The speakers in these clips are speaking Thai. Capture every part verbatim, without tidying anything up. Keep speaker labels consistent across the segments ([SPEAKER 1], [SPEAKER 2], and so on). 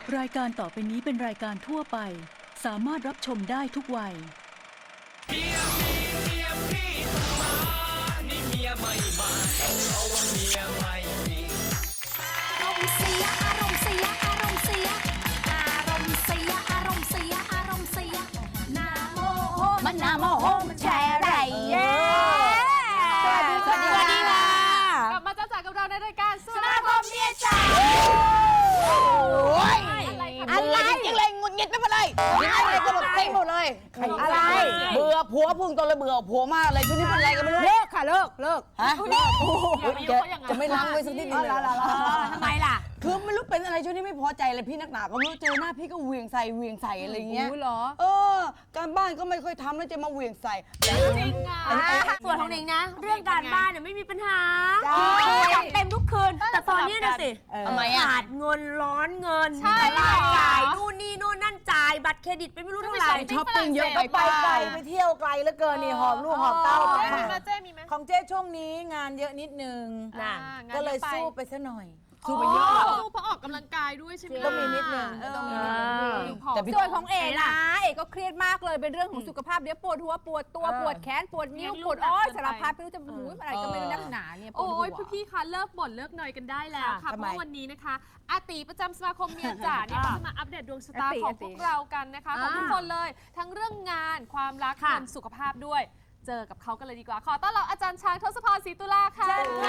[SPEAKER 1] รายการต่อไปนี้เป็นรายการทั่วไปสามารถรับชมได้ทุกวัย
[SPEAKER 2] เมียมีเมียพี่มานี่เมียไม่มาเพราะว่าเมียไม่มี
[SPEAKER 3] อารมณ์เสียอารมณ์เสียอารมณ์เสียอารมณ์เสียอารมณ์เสียอารมณ์เสียนาโมโหมันนาโมโหมันแชร์ไรเย้สวัสดีสวัสดีสวัสดีค่ะ
[SPEAKER 4] กลับมาจ้าจ๋ากับเราในรายการส
[SPEAKER 3] ส
[SPEAKER 4] มา
[SPEAKER 3] มา
[SPEAKER 4] ค
[SPEAKER 3] ค
[SPEAKER 4] ม
[SPEAKER 3] ม
[SPEAKER 4] เมี
[SPEAKER 3] เมี
[SPEAKER 4] ย
[SPEAKER 3] ย
[SPEAKER 4] จ๋า
[SPEAKER 3] จ๋า
[SPEAKER 4] อะไรคะ
[SPEAKER 3] อะไรจริงๆเลยงุนงิดไปหมดเลยยังไงเลยก็แบบเต็มหมดเลยอะไรเบื่อผัวพุ่งตัวเลยเบื่อผัวมากเลยช่วงนี้เป็นอะไรกันไม่รู้เลิกค่ะเลิกเลิกฮะเลิกจะไม่ล้างไว้สักนิดนึงเลยทำไมล่ะคือไม่รู้เป็นอะไรช่วงนี้ไม่พอใจเลยพี่นักหนาก็ไม่รู้เจอหน้าพี่ก็เหวี่ยงใส่เหวี่ยงใส่อะไรเงี้ยเหรอเออการบ้านก็ไม่ค่อยทำแล้วจะมาเหวี่ยงใส่
[SPEAKER 4] จริงอ่ะ
[SPEAKER 5] ส่วนของหนิงนะ เรื่องการบ้านเนี่ยไม่มีปัญหาจัดเต็มทุกคืน แต่ตอนนี้นะสิ
[SPEAKER 3] ทำไมอ่ะ
[SPEAKER 5] ขาดเงินร้อนเงินใช่จ่ายนู่นนี่นู่นนั่นจ่ายบัตรเครดิตไปไม่รู้เท่าไหร่
[SPEAKER 3] ช้อปปิ้งเยอะไป
[SPEAKER 6] ไปไกลไปเที่ยวไกลเหลือเกินนี่หอบลูกหอบเต้า
[SPEAKER 4] เจ๊
[SPEAKER 6] ไป
[SPEAKER 4] มีไหมเจ๊มีไหม
[SPEAKER 6] ของเจ๊ช่วงนี้งานเยอะนิดนึง
[SPEAKER 5] น่ะ
[SPEAKER 6] ก็เลยสู้ไปซะหน่อย
[SPEAKER 4] สู้ไปเยอะสู้เพราะออกกำลังกายด้วยใช่ไหม
[SPEAKER 6] ก็มีนิดนึงก็ต้องมีนิดนึง
[SPEAKER 3] แต่ส่วนของเอ๋นะเอ๋ก็เครียดมากเลยเป็นเรื่องของสุขภาพเดี๋ยวปวดหัวปวดตัวปวดแขนปวดนิ้วปวดอ้อยสารพัดไม่รู้จะหูอะไรก็ไม่รู้นักหนาเนี่ยปวด
[SPEAKER 4] โอ้
[SPEAKER 3] หัวย
[SPEAKER 4] พี่ๆคะเลิกบ่นเลิกหน่อยกันได้แล้วค่ะ
[SPEAKER 6] ทำ
[SPEAKER 4] เพ
[SPEAKER 6] ไม
[SPEAKER 4] ราะวันนี้นะคะอาตีประจำสมาคมเมียจ๋าเนี่ยเขาจะมาอัปเดตดวงชะตาของพวกเรากันนะคะของทุกคนเลย ทั้งเรื่องงานความรักเงินสุขภาพด้วยเจอกับเขากันเลยดีกว่าขอต้อนรับอาจารย์ช้างทศพรศรีตุลาค่ะ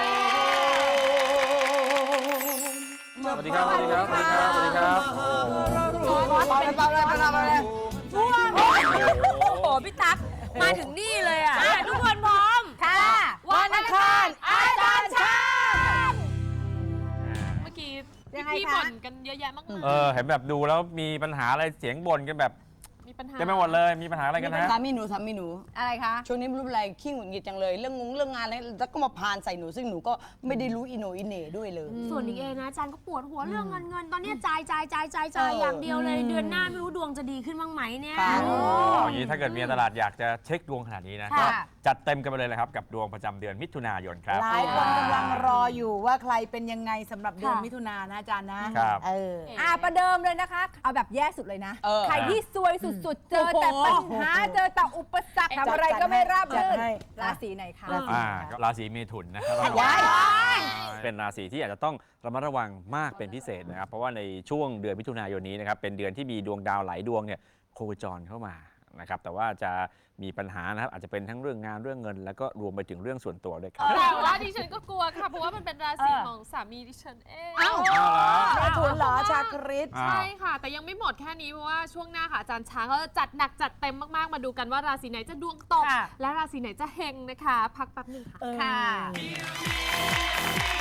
[SPEAKER 7] สวัสดีครับ สวัสดีครับ สวัสดีครับ สวัสดีครับ
[SPEAKER 3] เบาเลยเบาเลยเบาเลยเบาเลย
[SPEAKER 5] โอ้โหพี่ตั๊กมาถึงนี่เลยอ่ะทุกคนพร้อม
[SPEAKER 3] ค่ะวันอังคารอาจารย์ช้าง
[SPEAKER 4] เมื่อกี้
[SPEAKER 3] ยังไง
[SPEAKER 4] พี่
[SPEAKER 3] คะ
[SPEAKER 4] บ่นกันเยอะแยะมากมาย
[SPEAKER 7] เออ เห็นแบบดูแล้วมีปัญหาอะไรเสียงบ่นกันแบบ
[SPEAKER 4] มีปัญหา
[SPEAKER 7] เต็มไปหมดเลย มีปัญหาอะไรกันนะ
[SPEAKER 3] สามีหนูสามีหนู
[SPEAKER 5] อะไรคะ
[SPEAKER 3] ช่วงนี้ไม่รู้อะไรขี้หงุดหงิดจังเลยเรื่องงงเรื่องงานอะไรแล้วก็มาพานใส่หนูซึ่งหนูก็ไม่ได้รู้อิโหนอิเหน่ด้วยเลย
[SPEAKER 5] ส่วนหนิงเองนะอาจารย์ก็ปวดหัวเรื่องเงินเงินตอนนี้จ่ายจ่ายจ่ายจ่ายจ่าย
[SPEAKER 3] เออ
[SPEAKER 5] อ
[SPEAKER 3] อย่าง
[SPEAKER 5] เดียวเลยเดือนหน้าไม่รู้ดวงจะดีขึ้นบ้างไหมเนี่ย
[SPEAKER 3] ค่ะ
[SPEAKER 7] อย่างนี้ถ้าเกิดมีตลาดอยากจะเช็คดวงขนาดนี้นะ
[SPEAKER 5] ค่ะ
[SPEAKER 7] ก็จัดเต็มกันไปเลยนะครับ กับดวงประจำเดือนมิถุนายนครับ
[SPEAKER 6] หลายคนกำลังรออยู่ว่าใครเป็นยังไงสำหรับเดือนมิถุนายนนะอาจารย์นะครับ เออ
[SPEAKER 3] อ่าประเดิมเลยนะคะ เอาแบบแย่สุดเลยนะเออใครที่ซวยสุดๆ เจอแต่ปัญหาเจอแต่อุปสรรคทำอะไรก็ไม่ราบรื่น
[SPEAKER 6] จัดให้
[SPEAKER 3] ราศีไหนคะ
[SPEAKER 7] อ่าก็ราศีเมถุนนะครับ
[SPEAKER 3] ว้าย
[SPEAKER 7] เป็นราศีที่อาจจะต้องระมัดระวังมากเป็นพิเศษนะครับ เพราะว่าในช่วงเดือนมิถุนายนนี้นะครับ เป็นเดือนที่มีดวงดาวหลายดวงเนี่ยโคจรเข้ามานะครับ แต่ว่าจะมีปัญหานะครับ อาจจะเป็นทั้งเรื่องงานเรื่องเงิน แล้วก็รวมไปถึงเรื่องส่วนตัวด้วยครับ
[SPEAKER 4] แต่ว่าดิฉันก็กลัวค่ะ เพราะว่ามันเป็นราศีของสามีดิฉันเอง
[SPEAKER 6] เมถุนเหรอชาคริส
[SPEAKER 7] อ้าว
[SPEAKER 4] ใช่ค่ะ แต่ยังไม่หมดแค่นี้เพราะว่าช่วงหน้าค่ะอาจารย์ช้างเขาจะจัดหนักจัดเต็มมาก ๆ มาดูกันว่าราศีไหนจะดวงตก และราศีไหนจะเฮงนะคะ พักแป๊บหนึงค่ะ
[SPEAKER 3] ค่ะ